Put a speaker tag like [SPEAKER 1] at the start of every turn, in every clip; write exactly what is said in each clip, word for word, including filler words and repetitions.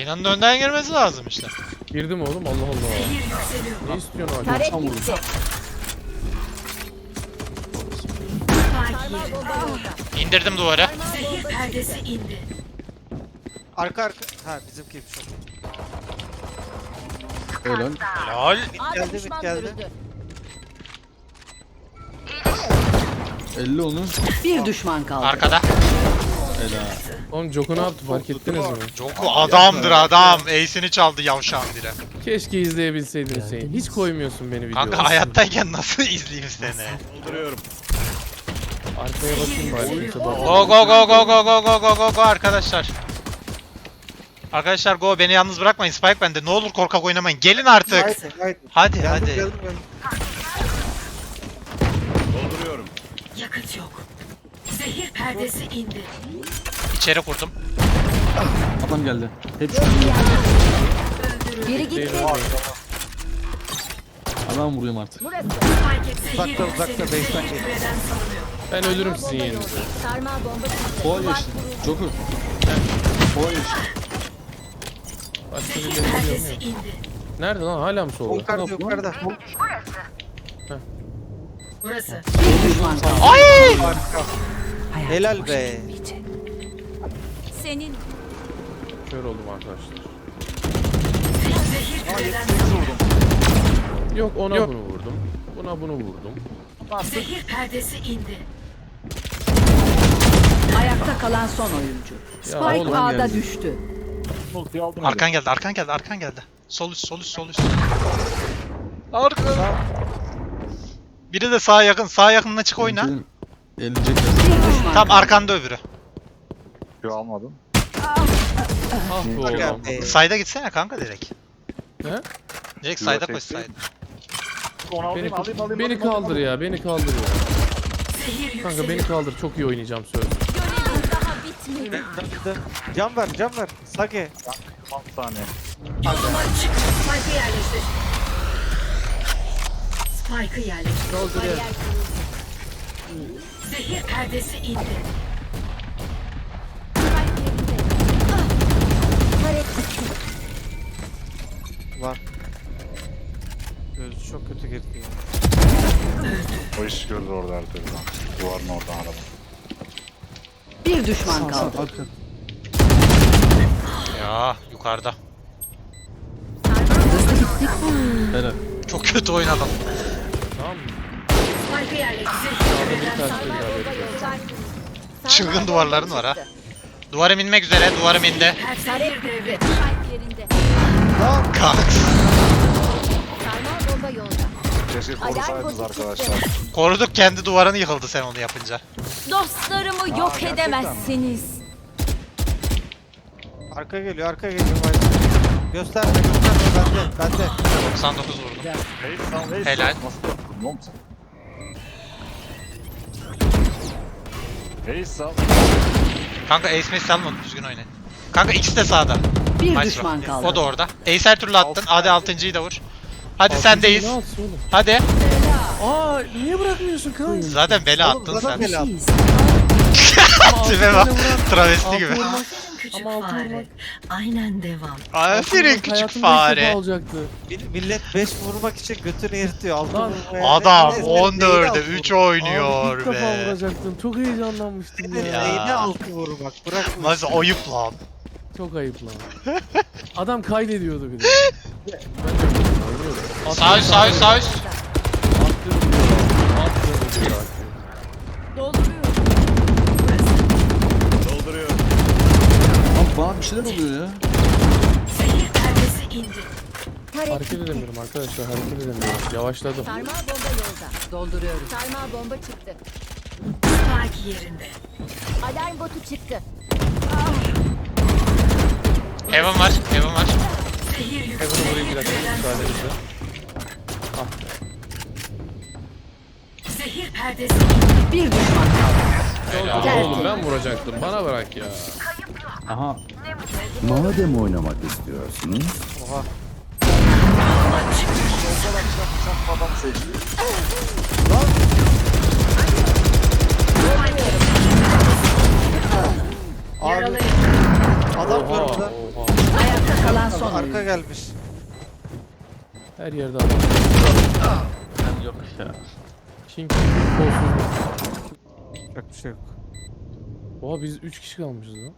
[SPEAKER 1] Reyna'nın önden girmesi lazım işte.
[SPEAKER 2] Girdim oğlum, Allah Allah. Ne istiyorsun abi?
[SPEAKER 3] Taret
[SPEAKER 2] Tam vurdu.
[SPEAKER 3] gitti.
[SPEAKER 1] İndirdim duvarı.
[SPEAKER 4] Perdesi indi.
[SPEAKER 5] Arka arka. Ha bizimkiymiş o.
[SPEAKER 6] Helal.
[SPEAKER 1] Helal.
[SPEAKER 3] Ağır
[SPEAKER 5] geldi,
[SPEAKER 3] düşman
[SPEAKER 5] geldi.
[SPEAKER 3] görüldü.
[SPEAKER 6] elli onu.
[SPEAKER 7] Bir düşman kaldı.
[SPEAKER 1] Arkada.
[SPEAKER 6] Helal.
[SPEAKER 2] Oğlum Joko ne yaptı fark ettiniz mi?
[SPEAKER 1] Joku adamdır adam. Ace'ini çaldı yavşağın biri.
[SPEAKER 2] Keşke izleyebilseydin Hüseyin. Hiç koymuyorsun beni videoya.
[SPEAKER 1] Kanka hayattayken nasıl izleyeyim seni?
[SPEAKER 2] Arkaya bakayım bari. kimse bakmıyor.
[SPEAKER 1] Go go go go go go go go go go arkadaşlar. Arkadaşlar go, beni yalnız bırakmayın, Spike bende. Ne olur korkak oynamayın. Gelin artık.
[SPEAKER 5] Haydi haydi.
[SPEAKER 1] Hadi
[SPEAKER 5] Geldim,
[SPEAKER 1] hadi.
[SPEAKER 5] geldim, geldim.
[SPEAKER 4] Yakıt yok. Zehir perdesi indi.
[SPEAKER 1] İçeri kurdum.
[SPEAKER 6] Adam geldi. Hep şu
[SPEAKER 3] Biri gitti.
[SPEAKER 6] adam vuruyorum artık.
[SPEAKER 3] Burası.
[SPEAKER 4] Zehir
[SPEAKER 5] Uzakta, uzakta,
[SPEAKER 4] yükseliyor.
[SPEAKER 5] base'den
[SPEAKER 4] Zehir
[SPEAKER 5] geliyor.
[SPEAKER 4] küreden salınıyor.
[SPEAKER 2] Ben ölürüm
[SPEAKER 3] Sarmal
[SPEAKER 2] sizin
[SPEAKER 3] bomba
[SPEAKER 2] yerinizde.
[SPEAKER 3] yolda. Sarmal bomba çıktı.
[SPEAKER 6] Kova
[SPEAKER 3] Duvar
[SPEAKER 6] geçti.
[SPEAKER 3] kuruldu.
[SPEAKER 6] Joker. Kova geçti.
[SPEAKER 2] Başka
[SPEAKER 4] Zehir
[SPEAKER 2] birileri
[SPEAKER 4] perdesi
[SPEAKER 2] yok mu?
[SPEAKER 4] indi.
[SPEAKER 2] Nerede lan? Hala mı solda?
[SPEAKER 5] Yukarıda yukarıda.
[SPEAKER 4] Burası.
[SPEAKER 7] Bir düşman kaldı.
[SPEAKER 1] Ay!
[SPEAKER 5] Harika. Helal be.
[SPEAKER 3] Senin
[SPEAKER 2] Kör oldum arkadaşlar.
[SPEAKER 4] Zehir küreden salınıyor.
[SPEAKER 2] Yok ona bunu vurdum. Buna bunu vurdum.
[SPEAKER 4] Zehir perdesi indi.
[SPEAKER 7] Ayakta kalan son oyuncu. Spike
[SPEAKER 2] oğlum,
[SPEAKER 7] A'da
[SPEAKER 6] geldi.
[SPEAKER 7] düştü.
[SPEAKER 1] Arkan geldi, arkan geldi, arkan geldi. Sol üst, sol üst, sol üst. Arka. Biri de sağa yakın, sağa yakınına çık oyna.
[SPEAKER 6] Benim Elecekler.
[SPEAKER 7] Bir düşman
[SPEAKER 1] Tam
[SPEAKER 7] kaldı.
[SPEAKER 1] arkanda öbürü.
[SPEAKER 8] Yo almadım.
[SPEAKER 2] Ah be oğlum.
[SPEAKER 5] Aga be.
[SPEAKER 1] Sayda gitsene kanka direkt.
[SPEAKER 2] He?
[SPEAKER 1] Direkt
[SPEAKER 8] Yo,
[SPEAKER 1] sayda
[SPEAKER 8] tek
[SPEAKER 1] koş
[SPEAKER 8] değil.
[SPEAKER 1] sayda.
[SPEAKER 8] Onu alayım
[SPEAKER 2] Beni,
[SPEAKER 8] alayım alayım.
[SPEAKER 2] beni
[SPEAKER 8] alayım,
[SPEAKER 2] kaldır
[SPEAKER 8] alayım.
[SPEAKER 2] ya, beni kaldır ya.
[SPEAKER 4] Zehir
[SPEAKER 2] Kanka
[SPEAKER 4] yükseliyor.
[SPEAKER 2] beni kaldır, çok iyi oynayacağım söz.
[SPEAKER 3] görevin daha bitmedi.
[SPEAKER 5] Döndü. Can ver can ver. Sage.
[SPEAKER 8] on saniye.
[SPEAKER 4] Yoluma çık. Spike'ı yerleştir. Spike'ı yerleştir.
[SPEAKER 3] Bariyer kuruldu.
[SPEAKER 4] Zehir perdesi indi.
[SPEAKER 3] Spike yerinde. Ah! Taret gitti.
[SPEAKER 5] Var. Gözü çok kötü girdi ya.
[SPEAKER 8] O iş gördü orada her türlü. Duvarın oradan araba.
[SPEAKER 7] Bir düşman kaldı.
[SPEAKER 6] Arka.
[SPEAKER 1] Ya yukarıda.
[SPEAKER 6] Helal.
[SPEAKER 1] Çok kötü oynadım.
[SPEAKER 2] Tamam mı?
[SPEAKER 4] Spike'ı yerleştir. Zehir küreden
[SPEAKER 2] Ters
[SPEAKER 4] salınıyor.
[SPEAKER 2] bir
[SPEAKER 3] Sarmal
[SPEAKER 2] davet
[SPEAKER 3] bomba
[SPEAKER 2] ediyorum.
[SPEAKER 3] yolda. Sarmal
[SPEAKER 1] Çılgın
[SPEAKER 3] bomba
[SPEAKER 1] duvarların var ha.
[SPEAKER 3] çıktı.
[SPEAKER 1] Duvarım inmek üzere, duvarım indi.
[SPEAKER 4] Zehir devre.
[SPEAKER 3] Spike yerinde.
[SPEAKER 1] Kalk.
[SPEAKER 3] Sarmal bomba yolda.
[SPEAKER 8] Keşke korusaydınız arkadaşlar.
[SPEAKER 1] Koruduk, kendi duvarını yıkıldı sen onu yapınca.
[SPEAKER 3] Dostlarımı yok edemezsiniz.
[SPEAKER 5] Arka geliyor arka geliyor. Haydi. Gösterme gösterme bende bende.
[SPEAKER 1] doksan dokuz vurdum.
[SPEAKER 8] Hey sal hey
[SPEAKER 1] Helal.
[SPEAKER 8] sal. Nasıl yaptın oğlum sen? Hey sal.
[SPEAKER 1] Kanka Ace Mace salmadı, düzgün oynayın. Kanka ikisi de sağda.
[SPEAKER 7] Bir
[SPEAKER 1] Nice
[SPEAKER 7] düşman
[SPEAKER 1] bro.
[SPEAKER 7] kaldı.
[SPEAKER 1] O da orada. Ace her türlü attın. Hadi altıncıyı da vur. Hadi
[SPEAKER 2] Altıncı
[SPEAKER 1] sendeyiz.
[SPEAKER 2] ne altısı oğlum?
[SPEAKER 1] Hadi.
[SPEAKER 2] Aa niye bırakmıyorsun kanka?
[SPEAKER 1] Zaten bela
[SPEAKER 5] Oğlum,
[SPEAKER 1] attın
[SPEAKER 5] zaten
[SPEAKER 1] sen.
[SPEAKER 5] bela attın.
[SPEAKER 1] Tipe bak. Travesti
[SPEAKER 2] Altı
[SPEAKER 1] gibi.
[SPEAKER 2] vurmak.
[SPEAKER 4] Küçük
[SPEAKER 2] Ama altı
[SPEAKER 4] fare.
[SPEAKER 2] vurmak.
[SPEAKER 4] Aynen devam.
[SPEAKER 1] Aferin küçük
[SPEAKER 2] Hayatımda ilk defa
[SPEAKER 1] fare.
[SPEAKER 2] olacaktı.
[SPEAKER 5] Mil- Millet beş vurmak için götünü yırtıyor. Altı
[SPEAKER 2] Lan,
[SPEAKER 5] vurmaya.
[SPEAKER 1] Adam
[SPEAKER 5] Ne- ne-
[SPEAKER 1] on dörde
[SPEAKER 5] neyine altı
[SPEAKER 1] üç
[SPEAKER 5] vurmak?
[SPEAKER 1] oynuyor
[SPEAKER 2] Abi ilk defa
[SPEAKER 1] be.
[SPEAKER 2] vuracaktım. Çok heyecanlanmıştım
[SPEAKER 5] Ne-
[SPEAKER 2] ya.
[SPEAKER 5] Neyine altı vurmak? Bırak bu
[SPEAKER 1] Nasıl
[SPEAKER 5] işi.
[SPEAKER 1] ayıp lan.
[SPEAKER 2] Çok ayıp lan. Adam kaydediyordu bir de. Ben de oynuyorum.
[SPEAKER 1] Sağ üst sağ üst sağ üst.
[SPEAKER 2] Attım diyor. Attım diyor.
[SPEAKER 4] Dolduruyorum.
[SPEAKER 6] Abi bana bir şeyler oluyor ya.
[SPEAKER 4] Zehir perdesi indi.
[SPEAKER 3] Taret
[SPEAKER 2] Hareket
[SPEAKER 3] gitti.
[SPEAKER 2] edemiyorum arkadaşlar, hareket edemiyorum. Yavaşladım.
[SPEAKER 3] Sarmal bomba yolda.
[SPEAKER 7] Dolduruyorum.
[SPEAKER 3] Sarmal bomba çıktı.
[SPEAKER 4] Spike yerinde.
[SPEAKER 3] Alarm botu çıktı.
[SPEAKER 1] Heaven var. Heaven var.
[SPEAKER 4] Zehir
[SPEAKER 2] Heaven'ı
[SPEAKER 4] yükseliyor.
[SPEAKER 2] vurayım bir dakika, müsaadenizle. Ah be.
[SPEAKER 4] Zehir perdesi indi.
[SPEAKER 7] Bir düşman kaldı.
[SPEAKER 1] Helal.
[SPEAKER 2] Oğlum ben vuracaktım, bana bırak ya.
[SPEAKER 6] Aha.
[SPEAKER 9] Madem oynamak istiyorsunuz,
[SPEAKER 5] Oha.
[SPEAKER 8] Adam seçti.
[SPEAKER 5] Abi
[SPEAKER 4] Yaralayın.
[SPEAKER 5] adam
[SPEAKER 2] Oha,
[SPEAKER 5] var burada.
[SPEAKER 2] oha.
[SPEAKER 4] Ayakta
[SPEAKER 7] kalan son
[SPEAKER 5] Arka
[SPEAKER 7] oyuncu.
[SPEAKER 5] gelmiş.
[SPEAKER 2] Her yerde adam.
[SPEAKER 6] Ben yok ya.
[SPEAKER 2] King kolsuz.
[SPEAKER 5] Yok bir şey yok.
[SPEAKER 2] Oha biz üç kişi kalmışız lan.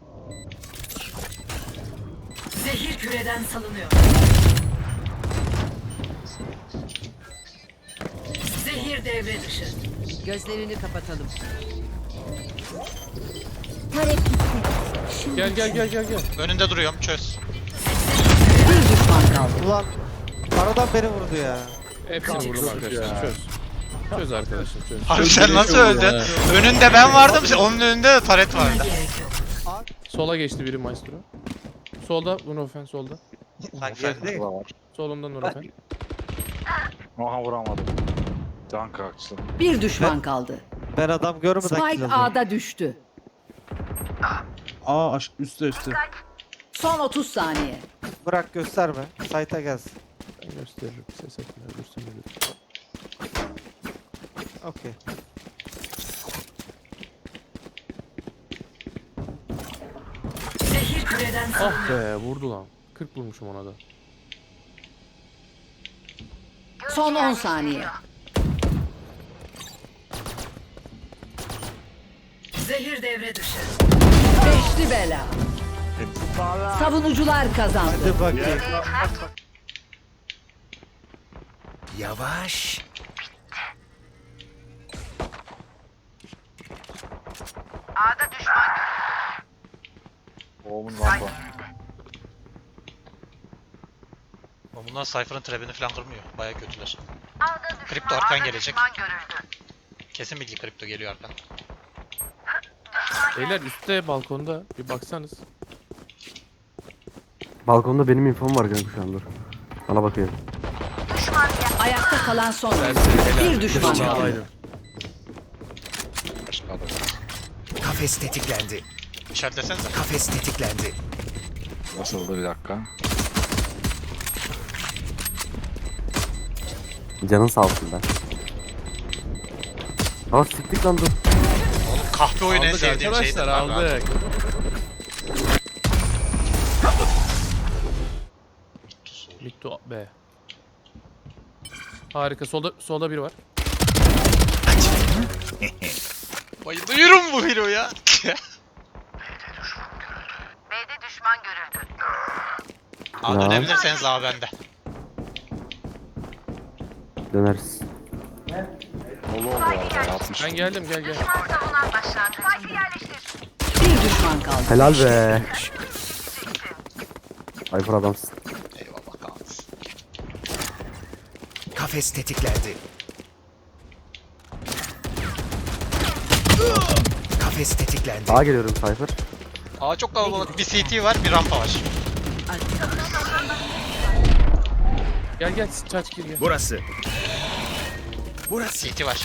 [SPEAKER 4] Zehir küreden salınıyor. Zehir devre dışı.
[SPEAKER 7] Gözlerini kapatalım.
[SPEAKER 3] Tarek gitti. Şimdi
[SPEAKER 2] Gel gel gel gel gel.
[SPEAKER 1] Önünde duruyorum çöz.
[SPEAKER 7] Bir düşman kaldı.
[SPEAKER 5] Ulan aradan beni vurdu ya.
[SPEAKER 2] Hepsini vurdum arkadaşlar. Çöz. Çöz arkadaşlar çöz.
[SPEAKER 1] Abi sen nasıl öldün? Önünde ben vardım, onun önünde de taret vardı.
[SPEAKER 4] Gerek yok.
[SPEAKER 2] Sola geçti biri maestro. Solda Nurofen solda.
[SPEAKER 5] Lan geldi.
[SPEAKER 8] Burada var.
[SPEAKER 2] Solunda Nurofen.
[SPEAKER 8] Aha vuramadım. Can kalksın.
[SPEAKER 7] Bir düşman kaldı.
[SPEAKER 5] Ben adam görmeden kill
[SPEAKER 7] Spike
[SPEAKER 5] alıyorum.
[SPEAKER 7] A'da düştü.
[SPEAKER 6] Aa aşk üstte üstte.
[SPEAKER 7] Son otuz saniye.
[SPEAKER 5] Bırak gösterme. Sayta gelsin.
[SPEAKER 2] Ben gösteririm. Ses etme. Ölürsün ölür.
[SPEAKER 5] Okey.
[SPEAKER 4] Zehir küreden salınıyor.
[SPEAKER 2] Ah be vurdu lan. kırk vurmuşum ona da.
[SPEAKER 7] Son on saniye.
[SPEAKER 4] Zehir devre dışı.
[SPEAKER 7] Beşli bela. Savunucular kazandı.
[SPEAKER 5] Hadi bakayım.
[SPEAKER 9] Yavaş.
[SPEAKER 8] Oğlumun lamba.
[SPEAKER 1] Ama bunlar Cypher'ın trebini falan kırmıyor. Baya kötüler. Kripto arkan gelecek. Kesin bilgi kripto geliyor arkan.
[SPEAKER 2] Beyler üstte balkonda bir baksanız.
[SPEAKER 10] Balkonda benim infom var kanka şu an dur. Bana bakıyor.
[SPEAKER 7] Ayakta kalan son oyuncu. Bir düşman kaldı.
[SPEAKER 2] Çağlaydım.
[SPEAKER 8] Başka adam.
[SPEAKER 9] Kafes tetiklendi.
[SPEAKER 1] İşaretlesenize.
[SPEAKER 9] Kafes tetiklendi.
[SPEAKER 8] Nasıldı bir dakika?
[SPEAKER 10] Canın sağ olsun ben. Aa siktik lan dur.
[SPEAKER 1] Oğlum kahpe oyunu en
[SPEAKER 2] Aldık
[SPEAKER 1] sevdiğim şeydir.
[SPEAKER 2] arkadaşlar
[SPEAKER 1] lan.
[SPEAKER 2] aldık. Mikto B. Harika. Solda solda biri var.
[SPEAKER 1] Bayılıyorum bu hero ya. Aa
[SPEAKER 10] Ya.
[SPEAKER 1] dönebilirseniz abi bende.
[SPEAKER 10] Döneriz.
[SPEAKER 8] Dolu oldu arada. altmış.
[SPEAKER 2] Ben geldim gel gel.
[SPEAKER 7] Bir düşman kaldı.
[SPEAKER 10] Helal be. Ayfır adamsın.
[SPEAKER 1] Eyvallah kalsın.
[SPEAKER 9] Kafes tetiklendi. Kafes tetiklendi.
[SPEAKER 10] Sağa geliyorum Cypher.
[SPEAKER 1] Aa çok kalabalık. Bir C T var, bir rampa var.
[SPEAKER 2] Gel gel çaç gir gel.
[SPEAKER 9] Burası. Burası.
[SPEAKER 1] C T var.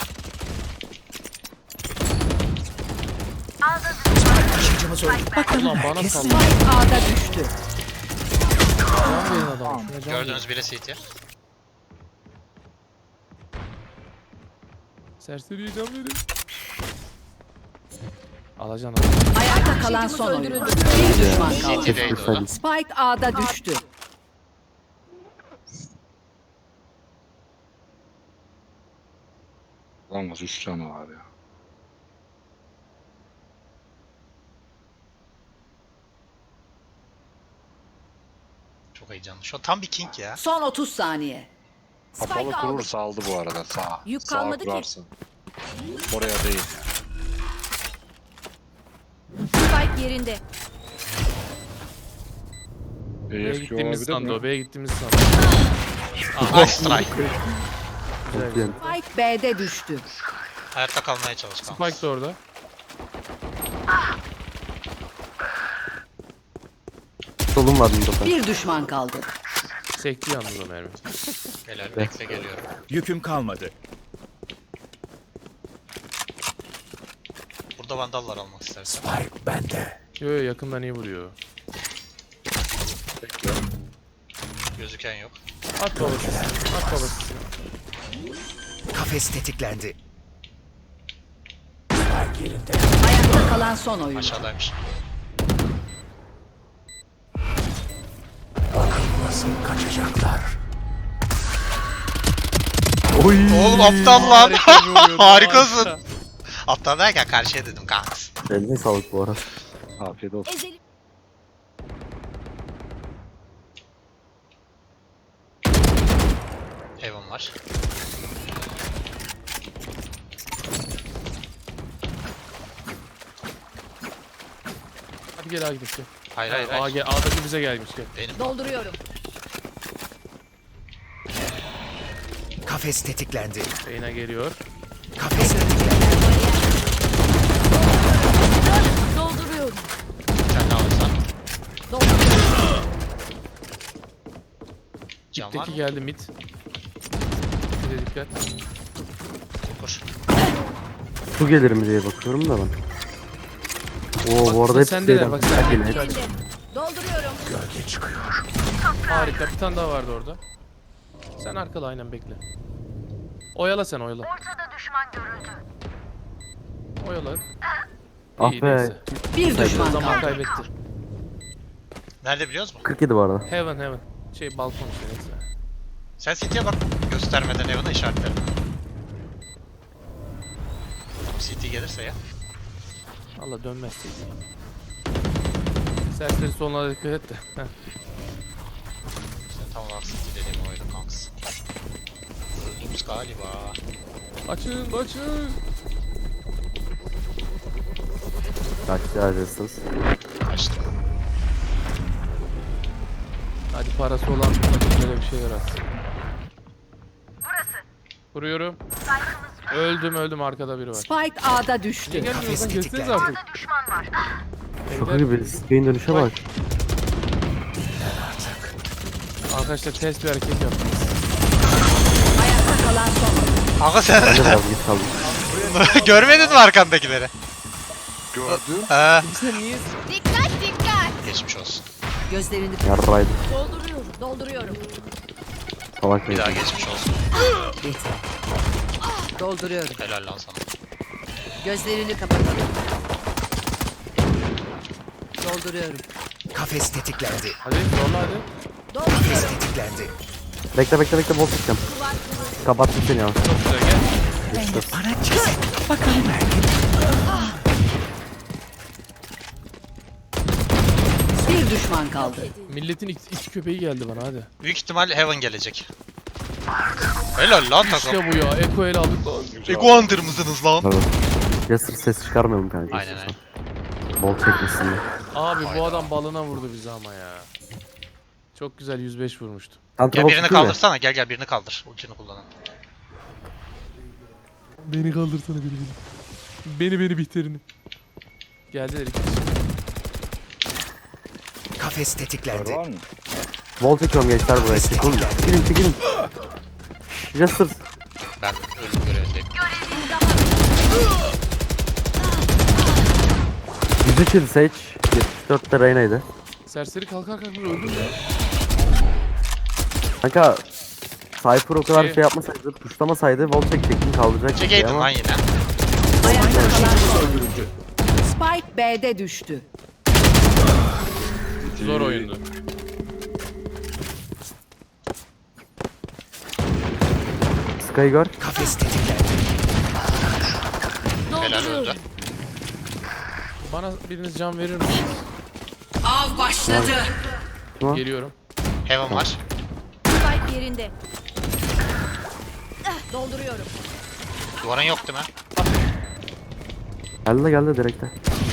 [SPEAKER 9] Taşıyıcımız öldü.
[SPEAKER 2] Ulan bana salla.
[SPEAKER 7] Spike A'da düştü.
[SPEAKER 2] Can verin adamı. Şuna can verin.
[SPEAKER 1] Gördüğünüz biri C T.
[SPEAKER 2] Serseriye can verin. Alacan abi.
[SPEAKER 7] Ayakta kalan son oyuncu. Bir düşman kaldı.
[SPEAKER 1] C T'deydi o da.
[SPEAKER 7] Spike A'da düştü.
[SPEAKER 8] Lan nasıl üç canı var ya.
[SPEAKER 1] Çok heyecanlı. Şu an tam bir king ya.
[SPEAKER 7] Son otuz saniye.
[SPEAKER 8] Kapalı kurursa aldı bu arada sağ.
[SPEAKER 3] Yük
[SPEAKER 8] Sağa
[SPEAKER 3] kalmadı ki.
[SPEAKER 8] kurarsın. Oraya değil.
[SPEAKER 3] Spike yerinde.
[SPEAKER 2] B'ye
[SPEAKER 8] E F K
[SPEAKER 2] gittiğimiz
[SPEAKER 8] olabilir
[SPEAKER 2] sandı o.
[SPEAKER 8] mi?
[SPEAKER 2] B'ye gittiğimiz sandı.
[SPEAKER 1] Nice strike.
[SPEAKER 2] Güzel güzel.
[SPEAKER 7] Spike B'de düştü.
[SPEAKER 1] Hayatta kalmaya çalış kanka.
[SPEAKER 2] Spike de orada.
[SPEAKER 10] Solum var Nurofen.
[SPEAKER 7] Bir düşman kaldı.
[SPEAKER 2] Sekti yalnız o mermi.
[SPEAKER 1] Helal bekle geliyorum.
[SPEAKER 9] Yüküm kalmadı.
[SPEAKER 1] Burada vandallar almak istersen.
[SPEAKER 9] Spike bende.
[SPEAKER 2] Yo yo yakından iyi vuruyor.
[SPEAKER 1] Gözüken yok.
[SPEAKER 2] At babası. At babası.
[SPEAKER 9] Kafes tetiklendi.
[SPEAKER 7] Ayakta kalan son oyuncu.
[SPEAKER 1] Aşağıdaymış.
[SPEAKER 9] Nasıl kaçacaklar?
[SPEAKER 10] Oy.
[SPEAKER 1] Oğlum aptal lan.
[SPEAKER 2] Harika bir oyun,
[SPEAKER 1] Harikasın.
[SPEAKER 2] harika.
[SPEAKER 1] Aptal derken karşıya dedim kanks.
[SPEAKER 10] Eline sağlık bu arada.
[SPEAKER 8] Afiyet olsun.
[SPEAKER 3] Ezelim.
[SPEAKER 1] Heaven var.
[SPEAKER 2] Hadi gel abi gidelim.
[SPEAKER 1] Hayır hayır
[SPEAKER 2] Aa,
[SPEAKER 1] hayır.
[SPEAKER 2] gel, A'daki bize gelmiş gel.
[SPEAKER 1] Benim.
[SPEAKER 3] Dolduruyorum.
[SPEAKER 9] Kafes tetiklendi.
[SPEAKER 2] Reyna geliyor.
[SPEAKER 9] Kafes tetiklendi.
[SPEAKER 3] Dolduruyorum.
[SPEAKER 1] Sen ne alırsan.
[SPEAKER 3] Dolduruyorum.
[SPEAKER 1] Can var
[SPEAKER 2] Teki
[SPEAKER 1] mı?
[SPEAKER 2] geldi mid. Bir de dikkat.
[SPEAKER 1] Kur.
[SPEAKER 10] Su gelir mi diye bakıyorum da ben. Oo
[SPEAKER 2] Bak,
[SPEAKER 10] bu arada
[SPEAKER 2] bak
[SPEAKER 10] hepsi
[SPEAKER 2] sendeler,
[SPEAKER 10] şeyden.
[SPEAKER 2] bak sen-
[SPEAKER 10] Yine hep-
[SPEAKER 2] Hadi.
[SPEAKER 3] Dolduruyorum.
[SPEAKER 9] Gölge çıkıyor.
[SPEAKER 2] Harika, bir tane daha vardı orada. Sen arkada aynen bekle. Oyala sen oyala. Oyala.
[SPEAKER 10] Ah
[SPEAKER 2] İyi,
[SPEAKER 10] be.
[SPEAKER 2] neyse.
[SPEAKER 7] Bir düşman
[SPEAKER 2] Zaman
[SPEAKER 7] kaldı.
[SPEAKER 2] kaybetti.
[SPEAKER 1] Nerede biliyoruz mu?
[SPEAKER 10] kırk yedi bu arada.
[SPEAKER 2] Heaven heaven. Şey balkon işte neyse.
[SPEAKER 1] Sen City'ye bak. Göstermeden Heaven'a işaretlerim. Tamam City gelirse ya.
[SPEAKER 2] Allah dönmezsin. Serseri sonuna dikkat et de. Heh.
[SPEAKER 1] İşte tam olarak City dediğim oydu kanks. Öldüğümüz galiba.
[SPEAKER 2] Açın açın.
[SPEAKER 10] Kaçtı harcasınız.
[SPEAKER 1] Kaçtım.
[SPEAKER 2] Hadi parası olan böyle bir şeyler atsın. Vuruyorum. Öldüm öldüm arkada biri var.
[SPEAKER 7] Spike A'da düştü.
[SPEAKER 2] Gelmiyorsan
[SPEAKER 9] Kafes
[SPEAKER 2] kesseniz
[SPEAKER 9] tetiklendi.
[SPEAKER 2] artık.
[SPEAKER 10] Şaka gibi. Sky'in dönüşe bak.
[SPEAKER 2] Arkadaşlar test bir hareket yaptınız.
[SPEAKER 7] Ayakta kalan son.
[SPEAKER 1] Aga sen
[SPEAKER 10] Ben de biraz geç kaldım.
[SPEAKER 1] görmedin mi arkandakileri?
[SPEAKER 8] Gördüm.
[SPEAKER 1] Ee,
[SPEAKER 2] Sen niye?
[SPEAKER 3] Dikkat dikkat.
[SPEAKER 1] geçmiş olsun.
[SPEAKER 7] Gözlerini
[SPEAKER 10] Yarraydı.
[SPEAKER 3] Dolduruyorum. Dolduruyorum.
[SPEAKER 10] Salak
[SPEAKER 1] Bir daha
[SPEAKER 10] değil.
[SPEAKER 1] geçmiş olsun.
[SPEAKER 7] dolduruyorum.
[SPEAKER 1] Helal lan sana.
[SPEAKER 7] Gözlerini kapatalım. Dolduruyorum.
[SPEAKER 9] Kafes tetiklendi.
[SPEAKER 2] Hadi zorla hadi.
[SPEAKER 9] Kafes
[SPEAKER 3] Dolduruyorum.
[SPEAKER 9] tetiklendi.
[SPEAKER 10] Bekle bekle bekle bol tutacağım. Kapattım seni ya.
[SPEAKER 2] Çok güzel gel.
[SPEAKER 9] Bana ceset.
[SPEAKER 7] Bir düşman kaldı.
[SPEAKER 2] Milletin iki, iki köpeği geldi bana hadi.
[SPEAKER 1] Büyük ihtimal Heaven gelecek. Helal lan takım.
[SPEAKER 2] İşte bu ya. Eko el aldık lan.
[SPEAKER 1] Ego Hunter mısınız lan?
[SPEAKER 10] Evet. Yasır ses çıkarmayalım kanka.
[SPEAKER 1] Aynen aynen.
[SPEAKER 10] Bol çekmesin diye.
[SPEAKER 2] Abi bu adam balına vurdu bizi ama ya. Çok güzel yüz beş vurmuştu.
[SPEAKER 10] Santra
[SPEAKER 1] Gel
[SPEAKER 10] bol
[SPEAKER 1] birini
[SPEAKER 10] çıkıyor ya.
[SPEAKER 1] kaldırsana. Gel gel birini kaldır. Ultini kullanan.
[SPEAKER 2] Beni kaldırsana beni beni. Beni beni bihterini. Geldiler iki kişi.
[SPEAKER 9] Kafes
[SPEAKER 8] Var
[SPEAKER 9] tetiklendi.
[SPEAKER 8] var mı?
[SPEAKER 10] Bol çekiyorum gençler buraya. Çekilin. Çekilin çekilin. Yasır.
[SPEAKER 1] Ben ölüm görevindeyim.
[SPEAKER 10] yüz üç yıl Sage. yetmiş dörtte Reyna'ydı.
[SPEAKER 2] Serseri kalkar kalkar öldüm ya.
[SPEAKER 10] Kanka Cypher o kadar
[SPEAKER 2] Şey-
[SPEAKER 10] şey yapmasaydı, tuşlamasaydı Vol çekecektim kaldıracak
[SPEAKER 1] Çekeydin
[SPEAKER 10] ama
[SPEAKER 1] lan yine.
[SPEAKER 7] Ayakta kalan son. Spike B'de düştü.
[SPEAKER 2] Zor oyundu.
[SPEAKER 10] Sky gör.
[SPEAKER 9] Kafes tetiklendi.
[SPEAKER 1] Helal öldü.
[SPEAKER 2] Bana biriniz can verir misiniz?
[SPEAKER 7] Av başladı.
[SPEAKER 10] Tamam.
[SPEAKER 2] Geliyorum.
[SPEAKER 1] Heaven var.
[SPEAKER 3] Spike yerinde. Ah, dolduruyorum.
[SPEAKER 1] Duvarın yok değil mi?
[SPEAKER 10] Geldi de geldi direkte.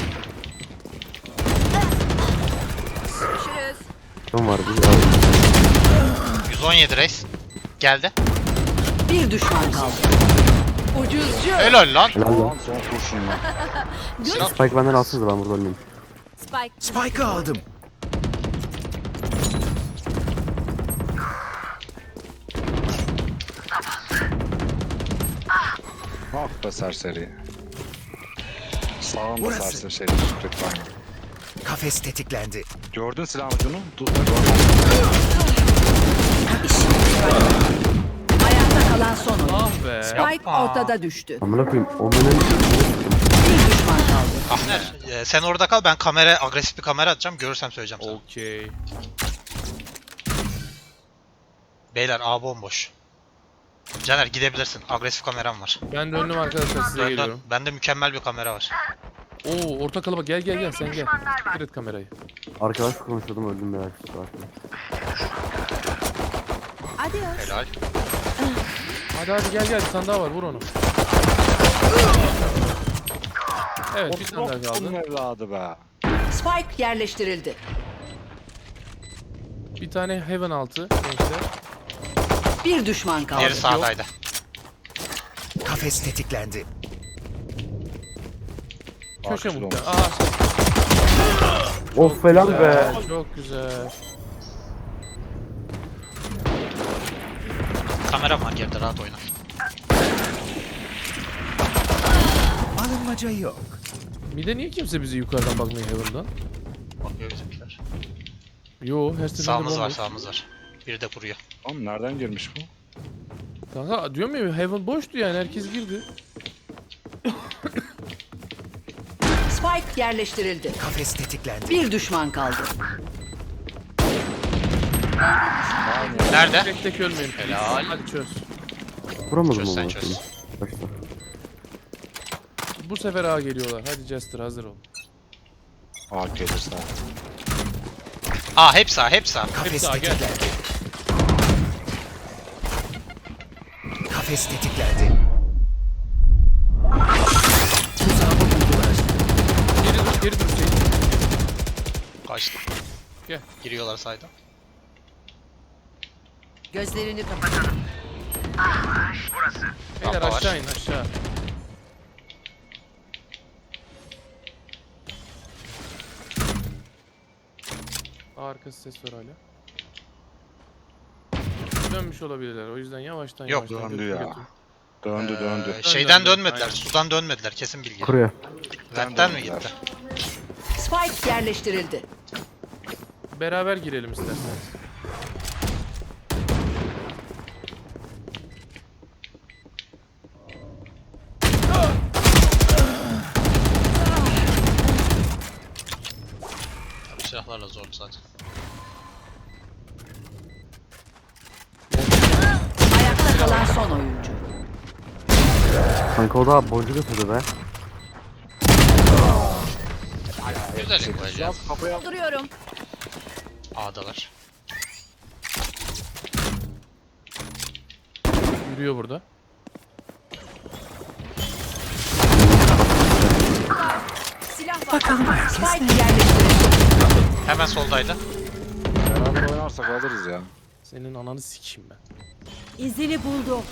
[SPEAKER 3] Görüşürüz.
[SPEAKER 10] Kim var bir
[SPEAKER 1] yüz on yedi reis. Geldi.
[SPEAKER 7] Bir düşman kaldı. Ucuzcu.
[SPEAKER 1] Helal lan.
[SPEAKER 10] Helal lan.
[SPEAKER 8] Son kurşunla.
[SPEAKER 1] Sinan
[SPEAKER 10] Spike benden alsınız da ben burada ölmeyeyim.
[SPEAKER 3] Spike.
[SPEAKER 9] Spike'ı aldım.
[SPEAKER 8] Ah be serseri. Sağında
[SPEAKER 9] Burası.
[SPEAKER 8] serseri şey. Lütfen.
[SPEAKER 9] Kafes tetiklendi.
[SPEAKER 8] Gördün silah ucunu? Dur.
[SPEAKER 7] Ayakta kalan son oyun.
[SPEAKER 2] Ah be.
[SPEAKER 7] Spike
[SPEAKER 1] Yapma.
[SPEAKER 7] ortada düştü.
[SPEAKER 10] Amına koyayım. Omen'in
[SPEAKER 7] Bir düşman kaldı.
[SPEAKER 1] Ahner e, sen orada kal ben kamera agresif bir kamera atacağım görürsem söyleyeceğim sana.
[SPEAKER 2] Okey.
[SPEAKER 1] Beyler A bomboş. Caner gidebilirsin. Agresif kameram var.
[SPEAKER 2] Ben döndüm arkadaşlar, size
[SPEAKER 1] Dön, dön.
[SPEAKER 2] geliyorum.
[SPEAKER 1] Bende mükemmel bir kamera var.
[SPEAKER 2] Oo, orta kalabalık, gel gel gel sen gel. Dikkat et kamerayı.
[SPEAKER 10] Arkadaş konuşuyordum öldüm ya.
[SPEAKER 3] Adios.
[SPEAKER 1] Helal.
[SPEAKER 2] Hadi hadi gel gel, bir tane daha var, vur onu. Evet, bir tane daha
[SPEAKER 8] Bunun
[SPEAKER 2] kaldı.
[SPEAKER 8] evladı be.
[SPEAKER 7] Spike yerleştirildi.
[SPEAKER 2] Bir tane heaven altı gençler.
[SPEAKER 7] Bir düşman kaldı.
[SPEAKER 1] Diğeri sağdaydı.
[SPEAKER 9] Kafes tetiklendi.
[SPEAKER 2] Köşe
[SPEAKER 8] Arkası
[SPEAKER 2] muhtemelen.
[SPEAKER 8] olmuş.
[SPEAKER 2] Aa,
[SPEAKER 10] Of falan be.
[SPEAKER 2] güzel, çok güzel.
[SPEAKER 1] Kameram var geride, rahat oyna.
[SPEAKER 9] Alınmaca yok.
[SPEAKER 2] Bir de niye kimse bizi yukarıdan bakmıyor heaven'dan?
[SPEAKER 1] Bakıyor bizimkiler.
[SPEAKER 2] Yo, her seferinde
[SPEAKER 1] Sağımız var,
[SPEAKER 2] bomboş.
[SPEAKER 1] sağımız var. Biri de kuruyor.
[SPEAKER 8] Oğlum nereden girmiş bu?
[SPEAKER 2] Kanka diyorum ya, heaven boştu yani, herkes girdi.
[SPEAKER 7] Spike yerleştirildi.
[SPEAKER 9] Kafes tetiklendi.
[SPEAKER 7] Bir düşman kaldı.
[SPEAKER 1] Nerede?
[SPEAKER 2] Tek tek ölmeyin.
[SPEAKER 1] Helal.
[SPEAKER 2] Hadi çöz.
[SPEAKER 10] Vuramadım
[SPEAKER 1] Çöz
[SPEAKER 10] onu.
[SPEAKER 1] sen çöz.
[SPEAKER 10] Başta.
[SPEAKER 2] Bu sefer A geliyorlar. Hadi Jester, hazır ol.
[SPEAKER 8] Aa gelirse.
[SPEAKER 1] Aa hep sağ, hep sağ.
[SPEAKER 9] Kafes
[SPEAKER 2] Hepsi A, gel.
[SPEAKER 9] tetiklendi. Kafes tetiklendi. Tuzağımı buldular.
[SPEAKER 2] Geri dur, geri dur Hüseyin.
[SPEAKER 1] Kaçtı.
[SPEAKER 2] Gel.
[SPEAKER 1] Giriyorlar sayda.
[SPEAKER 7] Gözlerini kapatalım.
[SPEAKER 2] Beyler
[SPEAKER 1] Rampa var.
[SPEAKER 2] aşağı in, aşağı. A arkası ses var hala. Dönmüş olabilirler, o yüzden yavaştan
[SPEAKER 1] Yok,
[SPEAKER 2] yavaştan
[SPEAKER 8] döndü
[SPEAKER 2] götür,
[SPEAKER 8] ya.
[SPEAKER 2] götür.
[SPEAKER 8] Döndü döndü.
[SPEAKER 1] Ee, şeyden
[SPEAKER 2] döndü,
[SPEAKER 1] dönmediler,
[SPEAKER 2] aynen.
[SPEAKER 1] sudan dönmediler, kesin bilgi.
[SPEAKER 10] Kuruyor.
[SPEAKER 1] Vent'ten mi
[SPEAKER 8] döndüler.
[SPEAKER 1] gitti?
[SPEAKER 7] Spike yerleştirildi.
[SPEAKER 2] Beraber girelim isterseniz.
[SPEAKER 1] Silahlarla zor zaten.
[SPEAKER 7] Ayakta kalan son oyuncu.
[SPEAKER 10] Kanka o da boncuk atıyordu be.
[SPEAKER 1] Güzel koyacağız.
[SPEAKER 3] Dolduruyorum.
[SPEAKER 1] A'dalar.
[SPEAKER 2] Yürüyor burada.
[SPEAKER 3] Silah var.
[SPEAKER 7] Spike yerleştirildi.
[SPEAKER 1] Hemen soldaydı.
[SPEAKER 8] Beraber oynarsak alırız ya.
[SPEAKER 2] Senin ananı sikeyim ben.
[SPEAKER 3] İzini buldum.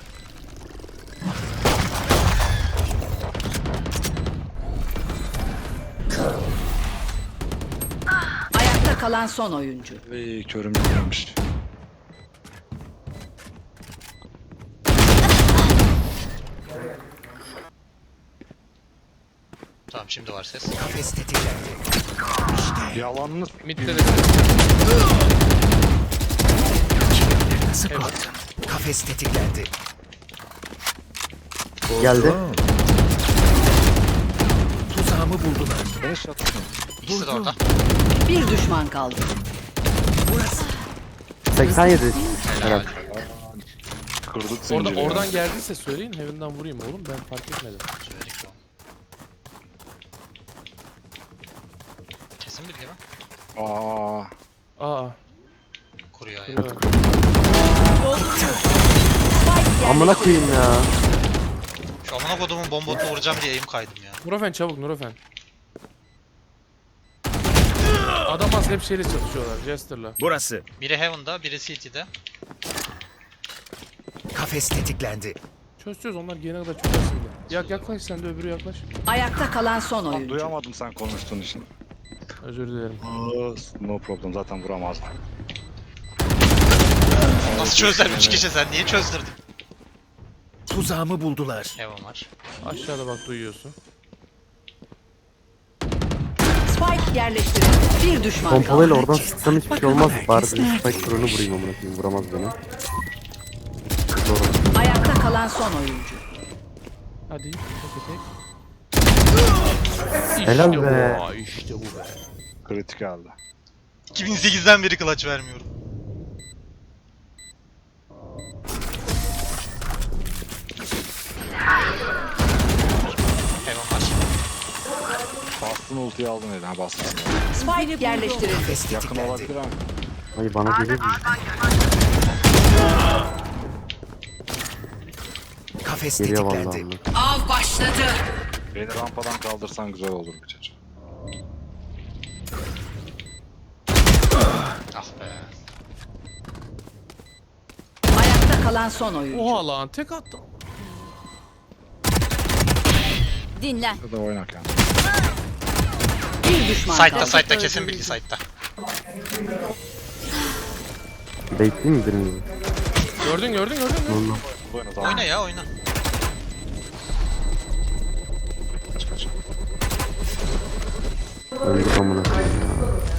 [SPEAKER 7] Ayakta kalan son oyuncu.
[SPEAKER 8] Ey körüm gelmiş.
[SPEAKER 1] Tamam şimdi var ses.
[SPEAKER 9] Kafes tetiklendi.
[SPEAKER 8] Yalanını
[SPEAKER 2] Mid'de de
[SPEAKER 9] Nasıl korktun? Kafes tetiklendi.
[SPEAKER 10] Geldi.
[SPEAKER 9] Tuzağımı buldular.
[SPEAKER 8] beni şatın.
[SPEAKER 1] İkisi de orada.
[SPEAKER 7] Bir düşman kaldı.
[SPEAKER 9] Burası.
[SPEAKER 10] seksen yedi.
[SPEAKER 1] Helal.
[SPEAKER 8] Kırdık
[SPEAKER 2] orada,
[SPEAKER 8] zinciri. ya.
[SPEAKER 2] oradan geldiyse söyleyin, heaven'dan vurayım oğlum, ben fark etmedim.
[SPEAKER 1] Söyledik ya. Kesin bilgi lan.
[SPEAKER 8] Aa.
[SPEAKER 2] Aa,
[SPEAKER 1] Kuruyor ya.
[SPEAKER 2] kuruyor.
[SPEAKER 10] Amına koyayım ya.
[SPEAKER 1] Şu amına kodumun bombotunu vuracağım diye eğim kaydım ya.
[SPEAKER 2] Nurofen çabuk, Nurofen. Adam az hep şeyle çalışıyorlar, Jester'la.
[SPEAKER 9] Burası.
[SPEAKER 1] Biri Heaven'da, biri C T'de.
[SPEAKER 9] Kafes tetiklendi.
[SPEAKER 2] Çöz çöz, onlar gelene kadar çözersin de. Yak yaklaş, sen de öbürü yaklaş.
[SPEAKER 7] Ayakta kalan son
[SPEAKER 8] Lan
[SPEAKER 7] oyuncu.
[SPEAKER 8] duyamadım sen konuştuğun için.
[SPEAKER 2] Özür dilerim.
[SPEAKER 8] Aa, no problem zaten vuramazdım.
[SPEAKER 1] Nasıl çözdüler üç kişi, sen niye çözdürdün?
[SPEAKER 9] Tuzağımı buldular.
[SPEAKER 1] Heaven var.
[SPEAKER 2] Aşağıda bak, duyuyorsun.
[SPEAKER 7] Spike yerleştirildi. Bir düşman kaldı.
[SPEAKER 10] Pompalıyla oradan sıksam hiçbir şey olmaz. Bari bir spike drone'u vurayım amına koyayım. Vuramaz beni. Doğru.
[SPEAKER 7] Ayakta kalan son oyuncu.
[SPEAKER 2] Hadi, tek tek.
[SPEAKER 10] Helal
[SPEAKER 2] İşte
[SPEAKER 10] be.
[SPEAKER 2] bu, işte bu be.
[SPEAKER 8] Kritik aldı.
[SPEAKER 1] iki bin sekizden beri clutch vermiyorum.
[SPEAKER 8] Bastın ultiyi aldın dedi. Ha bastın.
[SPEAKER 7] Spike yerleştirildi.
[SPEAKER 9] Kafes
[SPEAKER 8] Yakın
[SPEAKER 9] tetiklendi.
[SPEAKER 8] olabilir ama.
[SPEAKER 10] Hayır bana geliyor mu?
[SPEAKER 9] Kafes
[SPEAKER 10] Geliyor vallahi.
[SPEAKER 9] tetiklendi.
[SPEAKER 10] Allah.
[SPEAKER 7] Av başladı.
[SPEAKER 8] Beni rampadan kaldırsan güzel olur bir çocuk.
[SPEAKER 1] Ah be.
[SPEAKER 7] Ayakta kalan son oyuncu.
[SPEAKER 2] Oha lan tek attım.
[SPEAKER 3] Dinlen.
[SPEAKER 8] Ya da oynak yani.
[SPEAKER 7] Bir düşman
[SPEAKER 1] Side'da
[SPEAKER 7] kaldı.
[SPEAKER 1] side'da kesin bilgi side'da.
[SPEAKER 10] Bekleyeyim mi birinizi?
[SPEAKER 2] Gördün gördün gördün mü?
[SPEAKER 10] Vallahi.
[SPEAKER 8] Oyna tamam.
[SPEAKER 1] Oyna ya oyna.
[SPEAKER 8] Kaç kaç.
[SPEAKER 10] Öldük amına koyayım ya.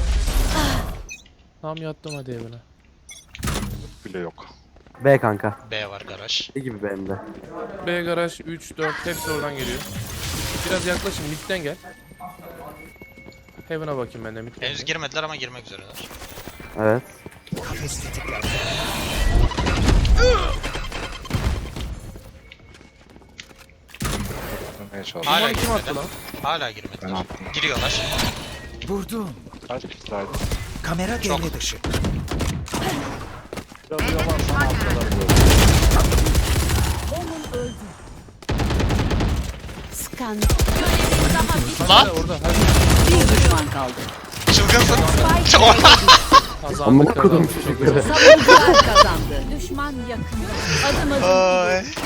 [SPEAKER 2] Tam yattım hadi evine.
[SPEAKER 8] Bile yok.
[SPEAKER 10] B kanka.
[SPEAKER 1] B var garaj.
[SPEAKER 10] Ne gibi benim de.
[SPEAKER 2] B garaj üç dört hepsi oradan geliyor. Biraz yaklaşın midden gel. Heaven'a bakayım ben de midden.
[SPEAKER 1] Henüz girmediler ama girmek üzereler.
[SPEAKER 10] Evet.
[SPEAKER 9] Kafes tetiklendi.
[SPEAKER 8] Dönmeye çalış.
[SPEAKER 1] Hala
[SPEAKER 2] Hala kim attı
[SPEAKER 1] girmediler.
[SPEAKER 2] lan?
[SPEAKER 1] Hala
[SPEAKER 8] Ben
[SPEAKER 1] girmediler.
[SPEAKER 8] attım.
[SPEAKER 1] Giriyorlar.
[SPEAKER 9] Vurdum.
[SPEAKER 8] Kaç kişi saydı?
[SPEAKER 9] Kamera
[SPEAKER 1] Çok.
[SPEAKER 9] devre dışı.
[SPEAKER 8] Biraz yalarsan attılar böyle.
[SPEAKER 3] Skan.
[SPEAKER 1] Lan
[SPEAKER 2] Orada hadi.
[SPEAKER 7] Bir düşman kaldı.
[SPEAKER 1] çılgınsın.
[SPEAKER 2] Kazandık
[SPEAKER 10] Amına kodum
[SPEAKER 2] kazandık. Çok
[SPEAKER 10] çocukları.
[SPEAKER 7] Savunucular kazandı.
[SPEAKER 3] Düşman yakında. Adım adım.
[SPEAKER 1] Ay.